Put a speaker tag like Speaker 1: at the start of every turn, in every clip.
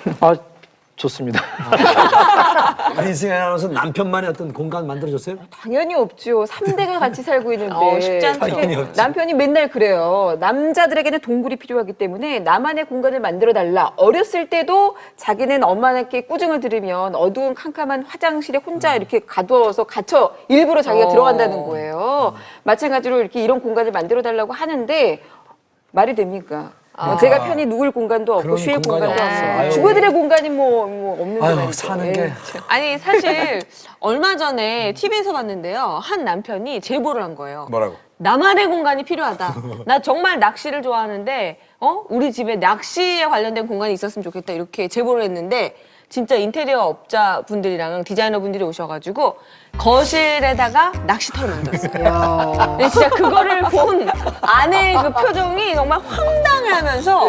Speaker 1: 아, 좋습니다.
Speaker 2: 민승이 아나운서 남편만의 어떤 공간 만들어줬어요?
Speaker 3: 당연히 없죠. 3대가 같이 살고 있는데
Speaker 4: 쉽지 않죠.
Speaker 2: 당연히 없지.
Speaker 3: 남편이 맨날 그래요. 남자들에게는 동굴이 필요하기 때문에 나만의 공간을 만들어달라. 어렸을 때도 자기는 엄마한테 꾸중을 들으면 어두운 캄캄한 화장실에 혼자 이렇게 가두어서 갇혀 일부러 자기가 들어간다는 거예요. 마찬가지로 이렇게 이런 공간을 만들어달라고 하는데 말이 됩니까? 제가 편히 누울 공간도 없고
Speaker 2: 그런
Speaker 3: 쉴
Speaker 2: 공간이
Speaker 3: 공간도
Speaker 2: 없어.
Speaker 3: 없고
Speaker 2: 아유.
Speaker 3: 주부들의 공간이 뭐 없는데
Speaker 2: 아유,
Speaker 3: 말이죠.
Speaker 2: 사는
Speaker 3: 에이,
Speaker 2: 게.
Speaker 3: 참.
Speaker 4: 아니 사실 얼마 전에 TV에서 봤는데요. 한 남편이 제보를 한 거예요.
Speaker 2: 뭐라고?
Speaker 4: 나만의 공간이 필요하다. 나 정말 낚시를 좋아하는데 우리 집에 낚시에 관련된 공간이 있었으면 좋겠다. 이렇게 제보를 했는데 진짜 인테리어 업자 분들이랑 디자이너 분들이 오셔가지고 거실에다가 낚시터를 만들었어요. 근데 진짜 그거를 본 아내의 그 표정이 정말 황당해하면서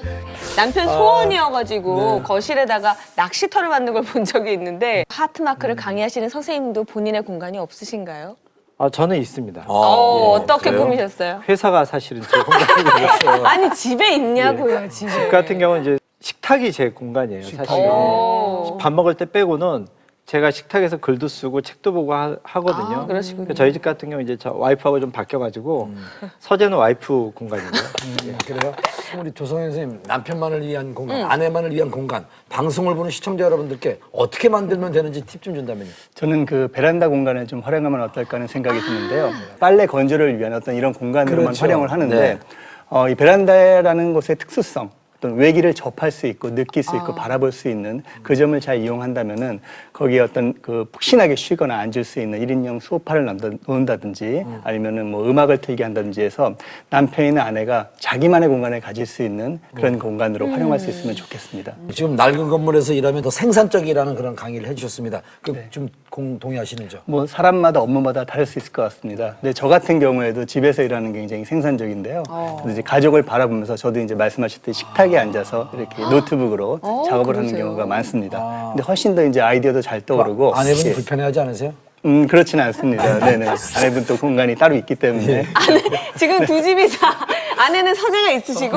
Speaker 4: 남편 소원이어가지고 거실에다가 낚시터를 만든 걸 본 적이 있는데 하트마크를 강의하시는 선생님도 본인의 공간이 없으신가요?
Speaker 1: 아, 저는 있습니다.
Speaker 4: 어떻게
Speaker 2: 그래요?
Speaker 4: 꾸미셨어요?
Speaker 1: 회사가 사실은 제 공간이고요.
Speaker 4: 아니 집에 있냐고요 집에.
Speaker 1: 집 같은 경우는 이제 식탁이 제 공간이에요, 사실은.
Speaker 4: 오.
Speaker 1: 밥 먹을 때 빼고는 제가 식탁에서 글도 쓰고 책도 보고 하거든요.
Speaker 4: 아, 그러시군요.
Speaker 1: 저희 집 같은 경우 이제 저 와이프하고 좀 바뀌어가지고 서재는 와이프 공간이고요.
Speaker 2: 그래요? 우리 조성현 선생님 남편만을 위한 공간, 아내만을 위한 공간, 방송을 보는 시청자 여러분들께 어떻게 만들면 되는지 팁 좀 준다면요.
Speaker 5: 저는 그 베란다 공간을 좀 활용하면 어떨까 하는 생각이 드는데요. 빨래 건조를 위한 어떤 이런 공간으로만
Speaker 2: 그렇죠.
Speaker 5: 활용을 하는데
Speaker 2: 네.
Speaker 5: 이 베란다라는 곳의 특수성, 어떤 외기를 접할 수 있고 느낄 수 있고 바라볼 수 있는 그 점을 잘 이용한다면은 거기에 어떤 그 푹신하게 쉬거나 앉을 수 있는 1인용 소파를 놓는다든지 아니면은 뭐 음악을 틀게 한다든지 해서 남편이나 아내가 자기만의 공간을 가질 수 있는 그런 공간으로 활용할 수 있으면 좋겠습니다.
Speaker 2: 지금 낡은 건물에서 일하면 더 생산적이라는 그런 강의를 해주셨습니다. 좀 동의하시는죠?
Speaker 5: 뭐 사람마다 업무마다 다를 수 있을 것 같습니다. 근데 저 같은 경우에도 집에서 일하는 게 굉장히 생산적인데요. 근데 이제 가족을 바라보면서 저도 이제 말씀하셨듯이 식탁에 앉아서 이렇게 노트북으로 작업을 하는 경우가 많습니다. 근데 훨씬 더 이제 아이디어도 잘 떠오르고.
Speaker 2: 아내분
Speaker 5: 예.
Speaker 2: 불편해하지 않으세요?
Speaker 5: 그렇지는 않습니다. 네네. 아내분 또 공간이 따로 있기 때문에.
Speaker 4: 지금 두 집이 다 아내는 서재가 있으시고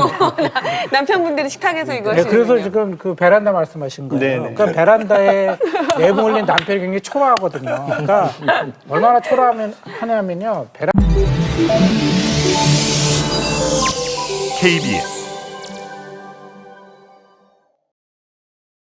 Speaker 4: 남편분들이 식탁에서 이거
Speaker 6: 네, 그래서
Speaker 4: 하시는군요.
Speaker 6: 지금 그 베란다 말씀하신 거예요.
Speaker 5: 네네.
Speaker 6: 그러니까 베란다에 내부 올린 남편이 굉장히 초라하거든요. 그러니까 얼마나 초라하냐면요.
Speaker 7: KBS